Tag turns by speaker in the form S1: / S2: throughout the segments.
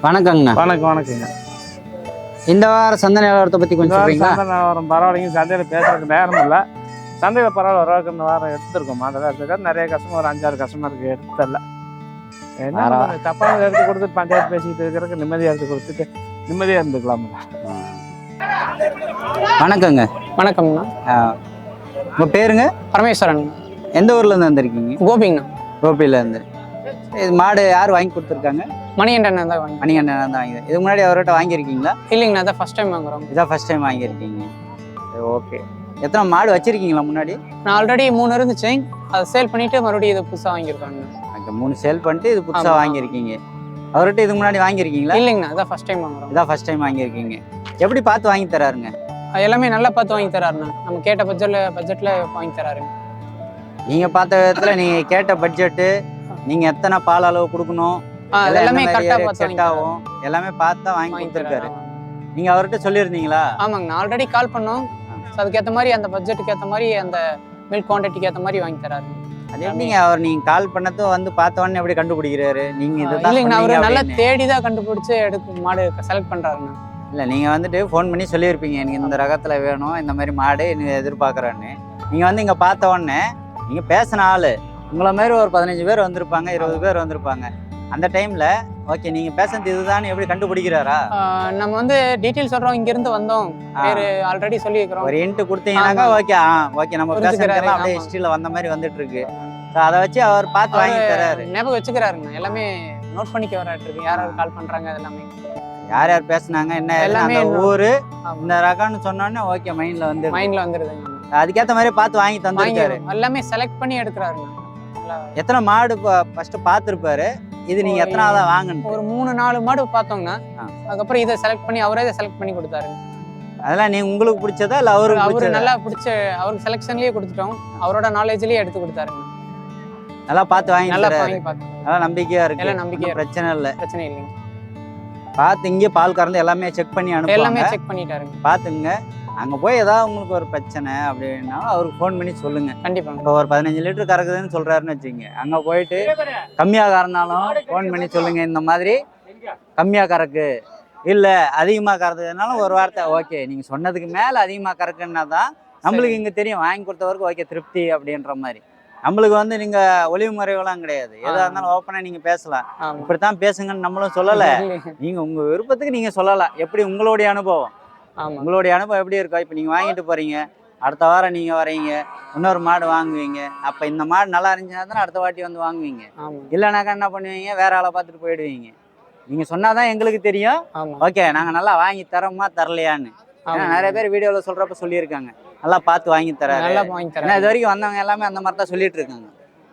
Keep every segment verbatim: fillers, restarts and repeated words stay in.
S1: வணக்கங்கண்ணா.
S2: வணக்கம் வணக்கங்க.
S1: இந்த வார சந்தை நிலவரத்தை பற்றி கொஞ்சம் சொல்றீங்களா?
S2: சந்தை நிலவரம் பரவாயில்லைங்க. சந்தையில் பேசுறதுக்கு நேரம் இல்லை. சந்தையில் பரவாயில்ல, ஓரளவுக்கு இந்த வாரம் எடுத்துருக்கோம். மாதம் எடுத்துக்க நிறைய கஸ்டமர், ஒரு அஞ்சாறு கஸ்டமருக்கு எடுத்தல. என்ன தப்பாக எடுத்து கொடுத்துட்டு பஞ்சாயத்து பேசிக்கிட்டு இருக்கிறதுக்கு நிம்மதியாக எடுத்து கொடுத்துட்டு நிம்மதியாக இருந்துக்கலாம்.
S1: வணக்கங்க.
S3: வணக்கம்ண்ணா.
S1: உங்கள் பேருங்க?
S3: பரமேஸ்வரன்.
S1: எந்த ஊர்லேருந்து வந்திருக்கீங்க?
S3: கோபிங்கண்ணா.
S1: கோபிலேருந்து. இது மாடு யார் வாங்கி கொடுத்துருக்காங்க?
S3: மணிகண்டன் தான் வாங்கி.
S1: மணிகண்டன் தான் வாங்கி. இதுக்கு முன்னாடி அவர்கிட்ட வாங்கியிருக்கீங்களா?
S3: இல்லைங்கண்ணா, அதான் ஃபர்ஸ்ட் டைம் வாங்குறோம்.
S1: இதான் ஃபர்ஸ்ட் டைம் வாங்கியிருக்கீங்க. ஓகே. எத்தனை மாடு வச்சிருக்கீங்களா முன்னாடி?
S3: நான் ஆல்ரெடி மூணு இருந்துச்சு, அதை சேல் பண்ணிட்டு மறுபடியும் இதை புதுசாக வாங்கியிருக்காங்க.
S1: அங்கே மூணு சேல் பண்ணிட்டு இது புதுசாக வாங்கியிருக்கீங்க. அவர்கிட்ட இதுக்கு முன்னாடி வாங்கியிருக்கீங்களா?
S3: இல்லைங்கண்ணா, அதான் ஃபர்ஸ்ட் டைம் வாங்குறோம்.
S1: இதான் ஃபர்ஸ்ட் டைம் வாங்கியிருக்கீங்க. எப்படி பார்த்து வாங்கி தராருங்க?
S3: எல்லாமே நல்லா பார்த்து வாங்கி தராருண்ணா. நம்ம கேட்ட பட்ஜெட்ல பட்ஜெட்ல வாங்கி தராருங்க.
S1: நீங்கள் பார்த்த விதத்தில் நீங்கள் கேட்ட பட்ஜெட்டு, நீங்கள் எத்தனை பால் அளவு கொடுக்கணும்,
S3: எல்லாமே கரெக்டாக பார்த்து
S1: செட் ஆகும், எல்லாமே பார்த்து தான் வாங்கி கொடுத்துருக்காரு. நீங்க அவர்கிட்ட சொல்லியிருந்தீங்களா?
S3: ஆமாங்க, நான் ஆல்ரெடி கால் பண்ணோம். அதுக்கேற்ற மாதிரி அந்த பட்ஜெட்டுக்கு ஏற்ற மாதிரி அந்த மில்க் குவான்டிட்டிக்கு ஏற்ற மாதிரி வாங்கி தராரு.
S1: அது எப்படிங்க அவர் நீங்க கால் பண்ணதும் வந்து பார்த்தவொடனே எப்படி கண்டுபிடிக்கிறாரு? நீங்க இதுதான்
S3: இல்லைங்க, அவரு நல்லா தேடி தான் கண்டுபிடிச்சு எடுத்து மாடு செலக்ட் பண்றாருண்ணா.
S1: இல்லை நீங்கள் வந்துட்டு ஃபோன் பண்ணி சொல்லியிருப்பீங்க, எனக்கு இந்த ரகத்தில் வேணும், இந்த மாதிரி மாடு எனக்கு எதிர்பார்க்குறேன்னு. நீங்கள் வந்து இங்கே பார்த்த உடனே நீங்கள் பேசின ஆள் உங்களை மாதிரி ஒரு பதினஞ்சு பேர் வந்திருப்பாங்க, இருபது பேர் வந்திருப்பாங்க. அந்த டைமில் ஓகே நீங்கள் பேசுறது இதுதான் எப்படி கண்டுபிடிக்கிறாரா?
S3: நம்ம வந்து டீட்டெயில் சொல்கிறோம், இங்கேருந்து வந்தோம், பேர் ஆல்ரெடி சொல்லியிருக்கிறோம்.
S1: ஒரு இன்ட்டு கொடுத்தீங்கன்னாக்கா ஓகே. ஆ ஓகே, நம்ம பேசுறதுலாம் அப்படியே ஹிஸ்ட்ரியில் வந்த மாதிரி வந்துட்டு இருக்கு. ஸோ அதை வச்சு அவர் பார்த்து வாங்கி தராரு.
S3: ஞாபகம் வச்சுக்கிறாருங்க, எல்லாமே நோட் பண்ணிக்க வராட்டிருக்கு. யார் யார் கால் பண்ணுறாங்க, அது எல்லாமே
S1: யார் யார் பேசுனாங்க, என்ன எல்லாமே ஊரு இந்த ரகம்னு சொன்னோன்னே ஓகே மைண்ட்ல வந்து
S3: மைண்ட்ல வந்துருதுங்க.
S1: அதுக்கேற்ற மாதிரி பார்த்து வாங்கி தந்துருக்காரு.
S3: எல்லாமே செலக்ட் பண்ணி எடுக்கிறாருங்க.
S1: எத்தனை மாடு ஃபர்ஸ்ட் பார்த்துருப்பாரு? இது நீங்க எத்தனாவதா வாங்கணும்?
S3: ஒரு மூணு நாலு மாடு பார்த்தோம்னா அதுக்கப்புறம் இதை செலக்ட் பண்ணி அவரே இதை செலக்ட் பண்ணி கொடுத்தாரு.
S1: அதெல்லாம் நீ உங்களுக்கு பிடிச்சதா இல்லை அவருக்கு?
S3: அவரு நல்லா பிடிச்ச அவருக்கு செலக்ஷன்லயே கொடுத்துட்டோம், அவரோட நாலேஜ்லயே எடுத்து கொடுத்தாருங்க.
S1: நல்லா பார்த்து வாங்கி
S3: நல்லா வாங்கி பார்த்து
S1: நல்லா நம்பிக்கையா இருக்கு.
S3: எல்லாம் நம்பிக்கையா,
S1: பிரச்சனை இல்லை,
S3: பிரச்சனை இல்லைங்க.
S1: பார்த்து இங்கே பால் கறந்து எல்லாமே செக் பண்ணி அனுப்பி
S3: எல்லாமே செக் பண்ணிட்டாருங்க.
S1: பார்த்துங்க. அங்கே போய் ஏதாவது உங்களுக்கு ஒரு பிரச்சனை அப்படின்னா அவருக்கு ஃபோன் பண்ணி சொல்லுங்க.
S3: கண்டிப்பாக.
S1: இப்போ ஒரு பதினஞ்சு லிட்டர் கறக்குதுன்னு சொல்றாருன்னு வச்சுங்க, அங்கே போயிட்டு கம்மியாக கறந்தாலும் ஃபோன் பண்ணி சொல்லுங்க, இந்த மாதிரி கம்மியாக கறக்கு இல்லை அதிகமாக கறக்குதுனாலும் ஒரு வார்த்தை ஓகே நீங்கள் சொன்னதுக்கு மேலே அதிகமாக கறக்குன்னா தான் நம்மளுக்கு இங்கே தெரியும், வாங்கி கொடுத்தவருக்கு ஓகே திருப்தி அப்படின்ற மாதிரி. நம்மளுக்கு வந்து நீங்க ஒளிவு முறைகள்லாம் கிடையாது, எதா இருந்தாலும் ஓப்பனா நீங்க பேசலாம். இப்படித்தான் பேசுங்கன்னு நம்மளும் சொல்லல, நீங்க உங்க விருப்பத்துக்கு நீங்க சொல்லலாம். எப்படி உங்களுடைய அனுபவம், உங்களுடைய அனுபவம் எப்படி இருக்கோ. இப்போ நீங்க வாங்கிட்டு போறீங்க, அடுத்த வாரம் நீங்க வரீங்க, இன்னொரு மாடு வாங்குவீங்க. அப்ப இந்த மாடு நல்லா இருந்துச்சுன்னா தானே அடுத்த வாட்டி வந்து வாங்குவீங்க. இல்லைனாக்கா என்ன பண்ணுவீங்க, வேற ஆளை பார்த்துட்டு போயிடுவீங்க. நீங்க சொன்னாதான் எங்களுக்கு தெரியும் ஓகே நாங்க நல்லா வாங்கி தரோமா தரலையான்னு. ஏன்னா நிறைய பேர் வீடியோல சொல்றப்ப சொல்லியிருக்காங்க நல்லா பார்த்து வாங்கி தராரு. ஏன்னா இது வரைக்கும் வந்தவங்க எல்லாமே அந்த மாதிரி தான் சொல்லிட்டு இருக்காங்க.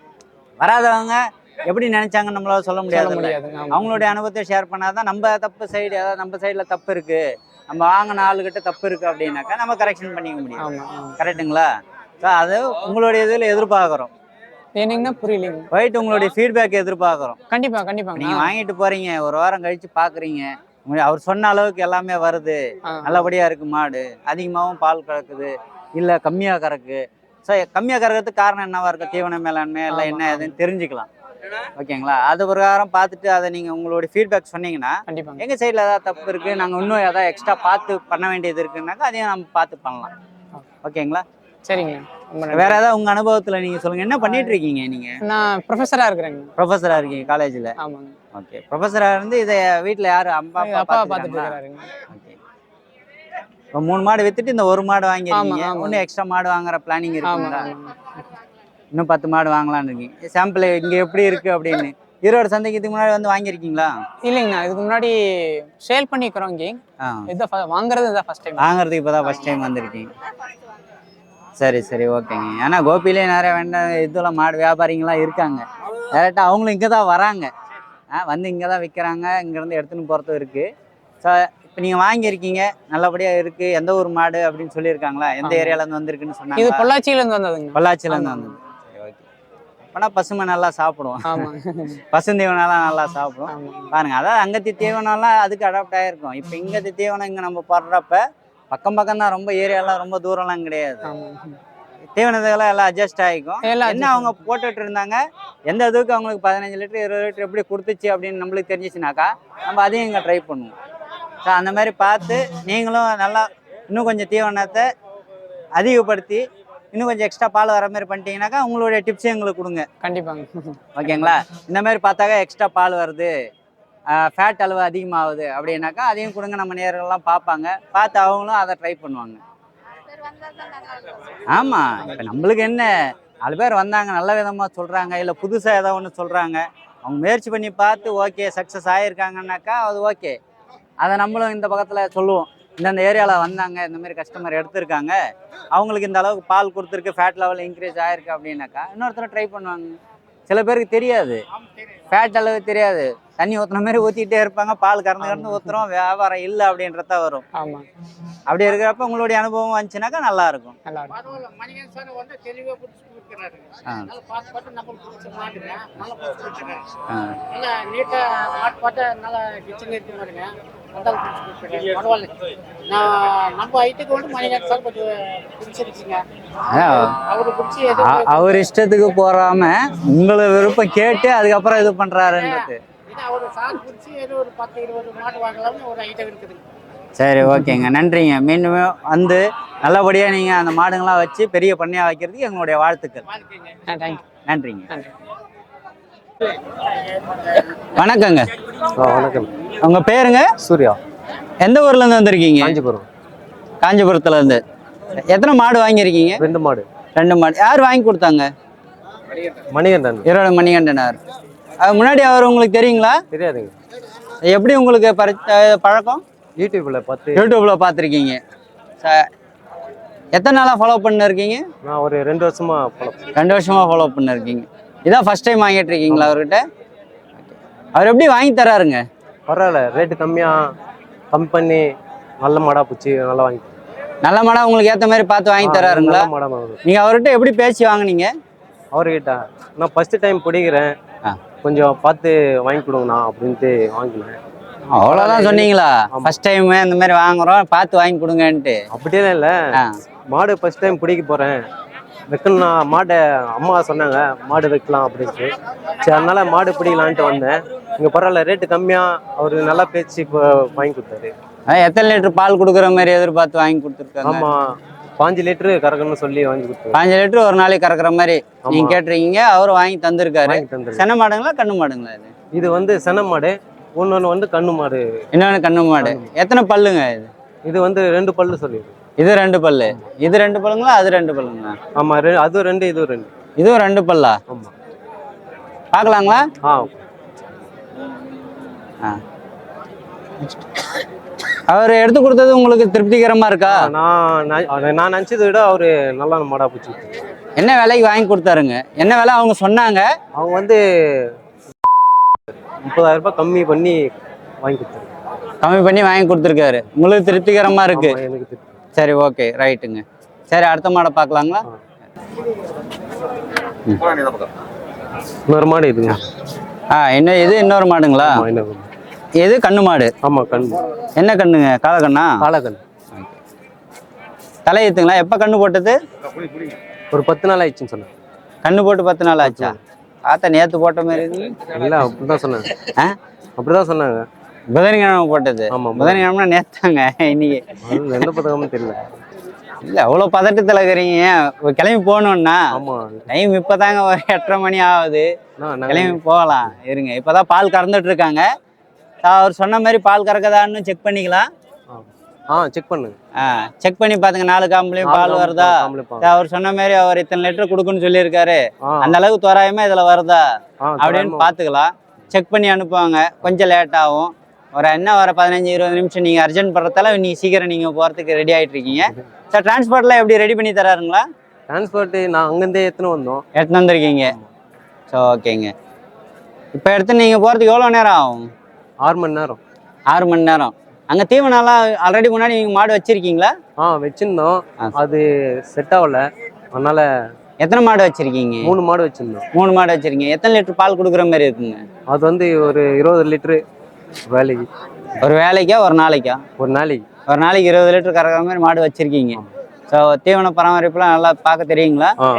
S1: வராதவங்க எப்படி நினைச்சாங்கன்னு நம்மளால சொல்ல முடியாது. அவங்களுடைய அனுபவத்தை ஷேர் பண்ணாதான் நம்ம தப்பு சைடு, அதாவது நம்ம சைடுல தப்பு இருக்கு, நம்ம வாங்கின ஆளுகிட்ட தப்பு இருக்கு அப்படின்னாக்கா நம்ம கரெக்ஷன் பண்ணிக்க முடியும். கரெக்டுங்களா? ஸோ அது உங்களுடைய இதில் எதிர்பார்க்குறோம்.
S3: என்னங்கன்னா புரியலைங்க.
S1: போயிட்டு உங்களுடைய ஃபீட்பேக் எதிர்பார்க்குறோம்.
S3: கண்டிப்பா கண்டிப்பா.
S1: நீங்க வாங்கிட்டு போறீங்க, ஒரு வாரம் கழிச்சு பாக்குறீங்க, அவர் சொன்ன அளவுக்கு எல்லாமே வருது, நல்லபடியா இருக்கு, மாடு அதிகமாகவும் பால் கறக்குது இல்ல கம்மியா கறக்கு. ஸோ கம்மியா கறக்கிறதுக்கு காரணம் என்னவா இருக்கு, தீவன மேலாண்மை எல்லாம் என்ன ஏதுன்னு தெரிஞ்சுக்கலாம். ஓகேங்களா? அது பிரகாரம் பார்த்துட்டு அதை நீங்க உங்களுடைய ஃபீட்பேக் சொன்னீங்கன்னா எங்க சைட்ல ஏதாவது தப்பு இருக்கு, நாங்க இன்னும் ஏதாவது எக்ஸ்ட்ரா பார்த்து பண்ண வேண்டியது இருக்குன்னாக்கா அதையும் நம்ம பார்த்து பண்ணலாம். ஓகேங்களா?
S3: சரிங்க.
S1: வேற ஏதாவது உங்க அனுபவத்துல நீங்க சொல்லுங்க, என்ன பண்ணிட்டு இருக்கீங்க நீங்க?
S3: நான் ப்ரொஃபஸரா இருக்கிறேங்க.
S1: ப்ரொஃபஸரா இருக்கீங்க காலேஜ்ல?
S3: ஆமாங்க.
S1: ஓகே. ப்ரொஃபஸரா இருந்து இதை வீட்டுல யாரு அம்மா அப்பா பார்த்துட்டு இருக்காங்க? ஓகே. இப்போ மூணு மாடு வித்துட்டு இந்த ஒரு மாடு வாங்கிருக்கீங்க, இன்னும் எக்ஸ்ட்ரா மாடு வாங்குற பிளானிங் இருக்குங்களா? இன்னும் பத்து மாடு வாங்கலாம்னு இருக்கீங்க. சாம்பிள் இங்க எப்படி இருக்கு அப்படின்னு ஈரோடு சந்தைக்கு இதுக்கு முன்னாடி வந்து வாங்கியிருக்கீங்களா?
S3: இல்லைங்கண்ணா, இதுக்கு முன்னாடி சேல் பண்ணிக்கிறோம். இங்கே இதான் வாங்குறது, இதான் ஃபர்ஸ்ட் டைம்.
S1: வாங்குறதுக்கு இப்போதான் ஃபர்ஸ்ட் டைம் வந்திருக்கீங்க. சரி சரி ஓகேங்க. ஏன்னா கோபிலே நிறைய வேண்டாம் இதெல்லாம் மாடு வியாபாரிங்களாம் இருக்காங்க, டேரெக்டாக அவங்களும் இங்கே தான் வராங்க, வந்து இங்கே தான் விற்கிறாங்க, இங்கேருந்து எடுத்துன்னு போகிறதும் இருக்குது. ஸோ இப்போ நீங்கள் வாங்கியிருக்கீங்க, நல்லபடியாக இருக்குது. எந்த ஒரு மாடு அப்படின்னு சொல்லியிருக்காங்களா? எந்த ஏரியாவிலேருந்து வந்திருக்குன்னு சொன்னாங்க?
S3: இது பொள்ளாச்சியிலேருந்து வந்ததுங்க.
S1: பொள்ளாச்சியிலேருந்து வந்தது. சரி ஓகே. அப்போனா பசுமை நல்லா சாப்பிடுவோம், பசுந்தீவனம்லாம் நல்லா சாப்பிடுவோம். பாருங்கள், அதாவது அங்கத்தி தீவனம்லாம் அதுக்கு அடாப்ட் ஆகிருக்கும். இப்போ இங்கத்தி தீவனம் இங்கே நம்ம போடுறப்ப பக்கம் பக்கம் தான், ரொம்ப ஏரியாலாம் ரொம்ப தூரம்லாம் கிடையாது. தீவனத்துக்கெல்லாம் எல்லாம் அட்ஜஸ்ட் ஆகிக்கும்.
S3: எல்லாம்
S1: என்ன அவங்க போட்டுட்டு இருந்தாங்க, எந்த இதுக்கு அவங்களுக்கு பதினஞ்சு லிட்டர் இருபது லிட்டர் எப்படி கொடுத்துச்சு அப்படின்னு நம்மளுக்கு தெரிஞ்சிச்சுனாக்கா நம்ம அதையும் இங்கே ட்ரை பண்ணுவோம். ஸோ அந்த மாதிரி பார்த்து நீங்களும் நல்லா இன்னும் கொஞ்சம் தீவனத்தை அதிகப்படுத்தி இன்னும் கொஞ்சம் எக்ஸ்ட்ரா பால் வர மாதிரி பண்ணிட்டீங்கன்னாக்கா உங்களுடைய டிப்ஸையும் எங்களுக்கு கொடுங்க.
S3: கண்டிப்பாங்க.
S1: ஓகேங்களா? இந்த மாதிரி பார்த்தாக்கா எக்ஸ்ட்ரா பால் வருது, ஃபேட் அளவு அதிகமாகுது அப்படின்னாக்கா அதையும் கொடுங்க. நம்ம நேர்கள்லாம் பார்ப்பாங்க, பார்த்து அவங்களும் அதை ட்ரை பண்ணுவாங்க. ஆமாம், இப்போ நம்மளுக்கு என்ன, நாலு பேர் வந்தாங்க நல்ல விதமாக சொல்கிறாங்க, இல்லை புதுசாக ஏதோ ஒன்று சொல்கிறாங்க, அவங்க முயற்சி பண்ணி பார்த்து ஓகே சக்ஸஸ் ஆகியிருக்காங்கன்னாக்கா அது ஓகே. அதை நம்மளும் இந்த பக்கத்தில் சொல்லுவோம், இந்தந்த ஏரியாவில் வந்தாங்க, இந்த மாதிரி கஸ்டமர் எடுத்திருக்காங்க, அவங்களுக்கு இந்த அளவுக்கு பால் கொடுத்துருக்கு, ஃபேட் லெவல் இன்க்ரீஸ் ஆகிருக்கு அப்படின்னாக்கா இன்னொருத்தர ட்ரை பண்ணுவாங்க. சில பேருக்கு தெரியாது, ஃபேட் அளவு தெரியாது, தண்ணி ஊற்றுன மாதிரி ஊற்றிக்கிட்டே இருப்பாங்க, பால் கறந்து கறந்து ஊற்றுறோம், வியாபாரம் இல்லை அப்படின்றத வரும்.
S3: ஆமாம்,
S1: அப்படி இருக்கிறப்ப உங்களுடைய அனுபவம் வந்துச்சுனாக்கா நல்லா இருக்கும்.
S3: நல்லா இருக்கும்.
S1: அவர் இஷ்டத்துக்கு போறாம உங்களை விருப்பம் கேட்டு அதுக்கப்புறம் இது பண்றாருன்றது. சரி, ஓகேங்க, நன்றிங்க. மீண்டும் வந்து நல்லபடியாக நீங்கள் அந்த மாடுங்களாம் வச்சு பெரிய பண்ணையாக வைக்கிறதுக்கு எங்களுடைய வாழ்த்துக்கள். நன்றிங்க. வணக்கங்க.
S4: வணக்கம்.
S1: உங்கள் பேருங்க?
S4: சூர்யா.
S1: எந்த ஊர்லேருந்து வந்திருக்கீங்க?
S4: காஞ்சிபுரம்.
S1: காஞ்சிபுரத்துலேருந்து. எத்தனை மாடு வாங்கியிருக்கீங்க?
S4: ரெண்டு மாடு.
S1: ரெண்டு மாடு. யார் வாங்கி கொடுத்தாங்க?
S4: மணிகண்டன்.
S1: ஈரோடு மணிகண்டனார். அது முன்னாடி அவர் உங்களுக்கு தெரியுங்களா?
S4: தெரியாதுங்க.
S1: எப்படி உங்களுக்கு பரி பழக்கம்?
S4: யூடியூப்ல பார்த்து.
S1: யூடியூப்ல பார்த்துருக்கீங்க. எத்தனை நாளாக ஃபாலோ பண்ணிருக்கீங்க?
S4: நான் ஒரு ரெண்டு வருஷமா ஃபாலோ
S1: ரெண்டு வருஷமா ஃபாலோ பண்ணிருக்கீங்க. இதான் ஃபர்ஸ்ட் டைம் வாங்கிட்டு இருக்கீங்களா அவர்கிட்ட? அவர் எப்படி வாங்கி தராருங்க?
S4: பரவாயில்ல, ரேட்டு கம்மியா கம்மி பண்ணி நல்ல மாடா பிடிச்சி நல்லா வாங்கி.
S1: நல்ல மாடா உங்களுக்கு ஏற்ற மாதிரி பார்த்து வாங்கி தராருங்களா? நீங்க அவர்கிட்ட எப்படி பேசி வாங்கினீங்க?
S4: அவர்கிட்ட நான் ஃபர்ஸ்ட் டைம் பிடிக்கிறேன், கொஞ்சம் பார்த்து வாங்கி கொடுங்கண்ணா அப்படின்ட்டு வாங்கினேன்.
S1: அவ்வளோதான் சொன்னீங்களா? ஃபர்ஸ்ட் டைம் இந்த மாதிரி வாங்குறோம், பார்த்து வாங்கி கொடுங்கன்ட்டு.
S4: அப்படியெல்லாம் இல்லை, மாடு ஃபர்ஸ்ட் டைம் பிடிக்க போகிறேன், வைக்கணும்னா மாடை அம்மா சொன்னாங்க மாடு வைக்கலாம் அப்படின்ட்டு. சரி, அதனால மாடு பிடிக்கலான்ட்டு வந்தேன். இங்கே பரவாயில்ல, ரேட்டு கம்மியாக அவர் நல்லா பேச்சு இப்போ வாங்கி கொடுத்தாரு.
S1: எத்தனை லிட்டர் பால் கொடுக்குற மாதிரி எதிர்பார்த்து வாங்கி கொடுத்துருக்காங்க?
S4: ஆமாம், பாஞ்சு லிட்டரு கறக்கணும்னு சொல்லி வாங்கி கொடுத்தாரு.
S1: பாஞ்சு லிட்டர் ஒரு நாளைக்கு கறக்குற மாதிரி நீங்கள் கேட்டிருக்கீங்க, அவரும் வாங்கி தந்திருக்காரு. சென மாடுங்களா கண்ணு மாடுங்களா? இது
S4: இது வந்து சென மாடு, இன்னொன்று வந்து கண்ணு மாடு.
S1: இன்னொன்று கண்ணு மாடு. எத்தனை பல்லுங்க இது?
S4: இது வந்து ரெண்டு பல்லு சொல்லிடு.
S1: இது ரெண்டு பல்லு. இது ரெண்டு பல்லுங்களா? அது ரெண்டு பல்லுங்களா?
S4: ஆமாம், அதுவும் ரெண்டு இதுவும் ரெண்டு.
S1: இதுவும் ரெண்டு பல்லா?
S4: ஆமாம்.
S1: பார்க்கலாங்களா?
S4: ஆ
S1: ஆ அவர் எடுத்து கொடுத்தது உங்களுக்கு திருப்திகரமாக இருக்கா?
S4: நான் நான் நினச்சதை விட அவர் நல்லா மாடா பிடிச்சி.
S1: என்ன விலைக்கு வாங்கி கொடுத்தாருங்க? என்ன விலை அவங்க சொன்னாங்க?
S4: அவங்க வந்து முப்பதாயிரம் ரூபாய் கம்மி பண்ணி வாங்கி கொடுத்தாரு.
S1: கம்மி பண்ணி வாங்கி கொடுத்துருக்காரு. உங்களுக்கு திருப்திகரமா இருக்கு?
S4: எனக்கு திருப்தி.
S1: சரி, ஓகே, ரைட்டுங்க. சரி, அடுத்த மாடை பார்க்கலாங்களா?
S4: இன்னொரு மாடு இதுங்க.
S1: ஆ, என்ன இது? இன்னொரு மாடுங்களா? எது? கண்ணு மாடு.
S4: ஆமா, கண்ணு.
S1: என்ன கண்ணுங்க? காலக்கண்ணா?
S4: காலக்கண்ணு.
S1: தலையத்துங்களா? எப்போ கண்ணு போட்டது?
S4: ஒரு பத்து நாள் ஆயிடுச்சுன்னு சொன்னேன்.
S1: கண்ணு போட்டு பத்து நாள் ஆச்சா? பார்த்தா நேற்று போட்ட மாதிரி
S4: இல்லை, அப்படிதான் சொன்னாங்க. ஆ, அப்படிதான் சொன்னாங்க.
S1: புதன்கிழமை போட்டது?
S4: ஆமாம்,
S1: புதன்கிழமை நேத்தாங்க. இன்னைக்கு
S4: எந்த பதக்கமும் தெரியல.
S1: இல்லை, அவ்வளோ பதட்டத்தில் இருக்கிறீங்க. கிளம்பி போகணுன்னா டைம் இப்போ தாங்க ஒரு எட்டரை மணி ஆகுது. கிளம்பி போகலாம் இருங்க. இப்போ தான் பால் கறந்துட்டு இருக்காங்க. அவர் சொன்ன மாதிரி பால் கறக்குதான்னு செக் பண்ணிக்கலாம்.
S4: ஆ, செக் பண்ணுங்க.
S1: ஆ, செக் பண்ணி பாத்துங்க. நாலு காம்புலையும் பால் வருதா? அவர் சொன்ன மாதிரி அவர் இத்தனை லிட்டர் கொடுக்குன்னு சொல்லியிருக்காரு, அந்த அளவுக்கு தோராயமா இதுல வருதா அப்படின்னு பாத்துக்கலாம். செக் பண்ணி அனுப்புவாங்க. கொஞ்சம் லேட் ஆகும். ஒரு என்ன ஒரு பதினஞ்சு இருபது நிமிஷம் நீங்க அர்ஜென்ட் பண்றதால இன்னைக்கு சீக்கிரம் நீங்க போறதுக்கு ரெடி ஆயிட்டு இருக்கீங்க. சார், டிரான்ஸ்போர்ட்லாம் எப்படி ரெடி பண்ணி தராருங்களா?
S4: டிரான்ஸ்போர்ட் நான் அங்கேருந்தே எடுத்துன்னு வந்தோம்.
S1: எடுத்துன்னு வந்திருக்கீங்க. ஸோ ஓகேங்க. இப்போ எடுத்து நீங்கள் போகிறதுக்கு எவ்வளோ நேரம் ஆகும்?
S4: ஆறு மணி நேரம்.
S1: ஆறு மணி நேரம். அங்கே தீவனம்லாம் ஆல்ரெடி முன்னாடி நீங்கள் மாடு வச்சுருக்கீங்களா?
S4: ஆ, வச்சுருந்தோம். அது செட் ஆகலை, அதனால்.
S1: எத்தனை மாடு வச்சுருக்கீங்க?
S4: மூணு மாடு வச்சுருந்தோம்.
S1: மூணு மாடு வச்சுருக்கீங்க. எத்தனை லிட்டர் பால் கொடுக்குற மாதிரி இருக்குங்க?
S4: அது வந்து ஒரு இருபது லிட்டரு வேலைக்கு.
S1: ஒரு வேலைக்கா ஒரு நாளைக்கா?
S4: ஒரு நாளைக்கு.
S1: ஒரு நாளைக்கு இருபது லிட்டர் கறக்கிற மாதிரி மாடு வச்சுருக்கீங்க. ஸோ தீவன பராமரிப்புலாம் நல்லா பார்க்க தெரியுங்களா?
S5: ஆ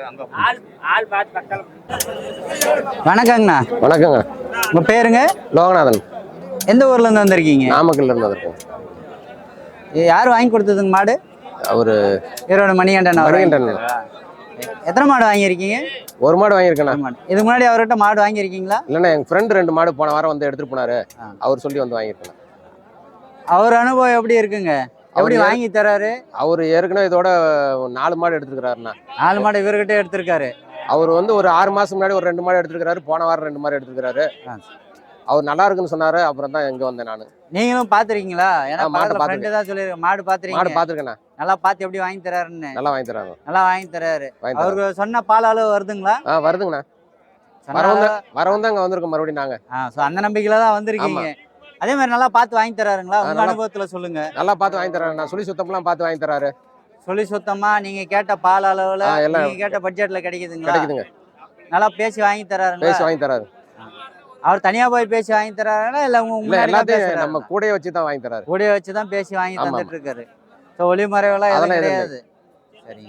S1: வணக்கங்கண்ணா.
S5: வணக்கங்க.
S1: உங்கள் பேருங்க?
S5: லோகநாதன்.
S1: எந்த ஊர்லேருந்து வந்திருக்கீங்க?
S5: நாமக்கல்ல இருந்து வந்திருக்கோம்.
S1: இது யார் வாங்கி கொடுத்ததுங்க மாடு?
S5: அவரு
S1: ஈரோடு மணிகண்டன் அவர்.
S5: மணிகண்டன்.
S1: எத்தனை மாடு வாங்கியிருக்கீங்க?
S5: ஒரு மாடு வாங்கியிருக்கேண்ணா.
S1: மாடு இதுக்கு முன்னாடி அவர்கிட்ட மாடு வாங்கியிருக்கீங்களா?
S5: இல்லைண்ணா, எங்க ஃப்ரெண்டு ரெண்டு மாடு போன வாரம் வந்து எடுத்துட்டு போனாரு. அவர் சொல்லி வந்து வாங்கியிருக்கேன்.
S1: அவர் அனுபவம் எப்படி இருக்குங்க? எப்படி
S5: அவரு-
S1: வாங்கி தராரு?
S5: அவர் ஏற்கனவே இதோட நாலு மாடு எடுத்துருக்கிறாருண்ணா.
S1: நாலு மாடு இவர்கிட்ட எடுத்திருக்காரு.
S5: அவர் வந்து ஒரு ஆறு மாசம் முன்னாடி ஒரு ரெண்டு மாடு எடுத்துருக்காரு. போன வாரம் ரெண்டு மாடு எடுத்துருக்காரு.
S1: ஆ.
S5: அவர் நல்லா இருக்குன்னு சொன்னாரு. அப்புறம் தான் எங்க வந்தேன் நான்.
S1: நீங்களும் பாத்துருக்கீங்களா? ஏன்னா
S5: ஆ, மாட்டை
S1: பக்கத்துல ஃப்ரெண்டு தான் சொல்லிருக்க மாடு
S5: மாடு
S1: பாத்துருக்கீங்க.
S5: பாத்துருக்கேண்ணா.
S1: நல்லா பார்த்து எப்படி வாங்கி தராருன்னு.
S5: நல்லா வாங்கி தராங்க.
S1: நல்லா வாங்கி தராரு.
S5: வாங்கி தராங்க.
S1: அவருக்கு சொன்ன பால் அளவு வருதுங்களா?
S5: ஆ வருதுங்கண்ணா.
S1: சொன்ன
S5: வரவும்
S1: அளவு-
S5: தான் வரவும் தான் இங்க வந்திருக்கோம் மறுபடியும் நாங்க.
S1: ஆ, so அந்த நம்பிக்கையில தான் வந்திருக்கீங்க. அதே மாதிரி நல்லா பார்த்து வாங்கி தராருங்களா?
S5: ஆ,
S1: உங்க
S5: நல்லா-
S1: அனுபவத்துல சொல்லுங்க.
S5: நல்லா பார்த்து வாங்கி தராங்க. நான் சொல்லி சுத்தம்லாம் பார்த்து வாங்கி தராரு.
S1: சொல்லி சுத்தமா நீங்க கேட்ட பால் அளவுல
S5: ஆ, எல்லாம்
S1: நீங்க கேட்ட பட்ஜெட்ல கிடைக்குதுங்களா?
S5: கிடைக்குதுங்க.
S1: நல்லா பேசி வாங்கி தராருங்களா?
S5: பேசி வாங்கி தராரு.
S1: அவர் தனியா போய் பேசி வாங்கி தராருங்களா இல்ல உங்க
S5: இல்ல
S1: முன்னாடி தான்
S5: எல்லாத்தையும்
S1: பேசுறாரா?
S5: நம்ம கூடயே வச்சு தான் வாங்கி தராரு.
S1: கூடயே வச்சு தான் பேசி வாங்கி
S5: ஆமா,
S1: தந்துட்டு இருக்காரு. ஸோ ஒளிமறைவெல்லாம் எதுவும்
S5: அதெல்லாம் எதுவும்
S1: கிடையாது. சரிங்க.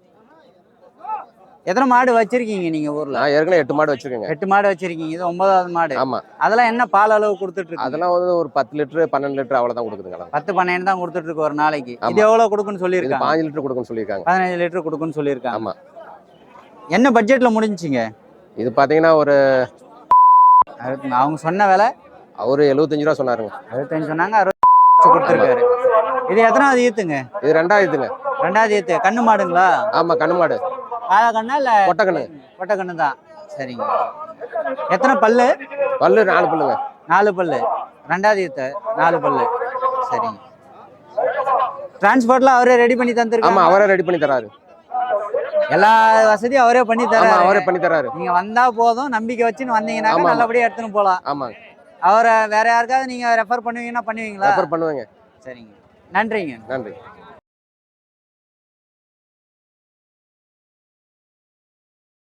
S1: எத்தனை மாடு வச்சிருக்கீங்க நீங்க ஊர்ல?
S5: நான் ஏற்கனவே எட்டு மாடு வச்சிருக்கேங்க.
S1: எட்டு மாடு வச்சிருக்கீங்க. இது ஒன்பதாவது மாடு.
S5: ஆமா.
S1: அதெல்லாம் என்ன பால் அளவு கொடுத்துட்டு இருக்கு?
S5: அதெல்லாம் வந்து ஒரு பத்து லிட்டரு பன்னெண்டு லிட்டரு அவ்வளவுதான் கொடுக்குதுங்க.
S1: பத்து பன்னெண்டு தான் கொடுத்துட்டு இருக்கு ஒரு நாளைக்கு.
S5: ஆமா.
S1: இது எவ்வளவு கொடுக்குன்னு
S5: இது
S1: சொல்லியிருக்காங்க?
S5: பாஞ்சு லிட்டர் கொடுக்குன்னு சொல்லியிருக்காங்க.
S1: பதினஞ்சு லிட்டர் கொடுக்குன்னு சொல்லியிருக்காங்க.
S5: ஆமா.
S1: என்ன பட்ஜெட்ல முடிஞ்சுங்க?
S5: இது பாத்தீங்கன்னா ஒரு
S1: அறுபத்தி- அவங்க சொன்ன விலை
S5: அவரு எழுபத்தஞ்சு ரூபா சொன்னாருங்க.
S1: அறுபத்தஞ்சு சொன்னாங்க. அறுபது கொடுத்துருக்காரு. இது எத்தனாவது ஈத்துங்க?
S5: இது ரெண்டாயிரத்துங்க.
S1: ரெண்டாவது ஈத்து. கண்ணு மாடுங்களா?
S5: ஆமா, கண்ணு மாடு.
S1: காளை கண்ணா இல்ல
S5: கொட்டை கண்ணு.
S1: கொட்டை கண்ணு தான். சரிங்க. எத்தனை பல்லு?
S5: பல்லு நாலு பல்லுங்க.
S1: நாலு பல்லு. ரெண்டாவது ஈத்து நாலு பல்லு. சரிங்க. டிரான்ஸ்போர்ட்லாம் அவரே ரெடி பண்ணி
S5: ஆமா,
S1: தந்துருக்காங்க.
S5: அவரே ரெடி பண்ணி தராரு.
S1: எல்லா வசதியும் அவரே பண்ணி
S5: ஆமா,
S1: தராரு.
S5: அவரே பண்ணி தராரு.
S1: நீங்க வந்தா போதும், நம்பிக்கை வச்சுன்னு வந்தீங்கன்னா
S5: ஆமா, ஆமா.
S1: நல்லபடியா எடுத்துன்னு போலாம்.
S5: ஆமாங்க.
S1: அவரை வேற யாருக்காவது நீங்க ரெஃபர் பண்ணுவீங்கன்னா பண்ணுவீங்களா?
S5: ரெஃபர் பண்ணுவேங்க.
S1: சரிங்க. நன்றிங்க.
S5: நன்றி.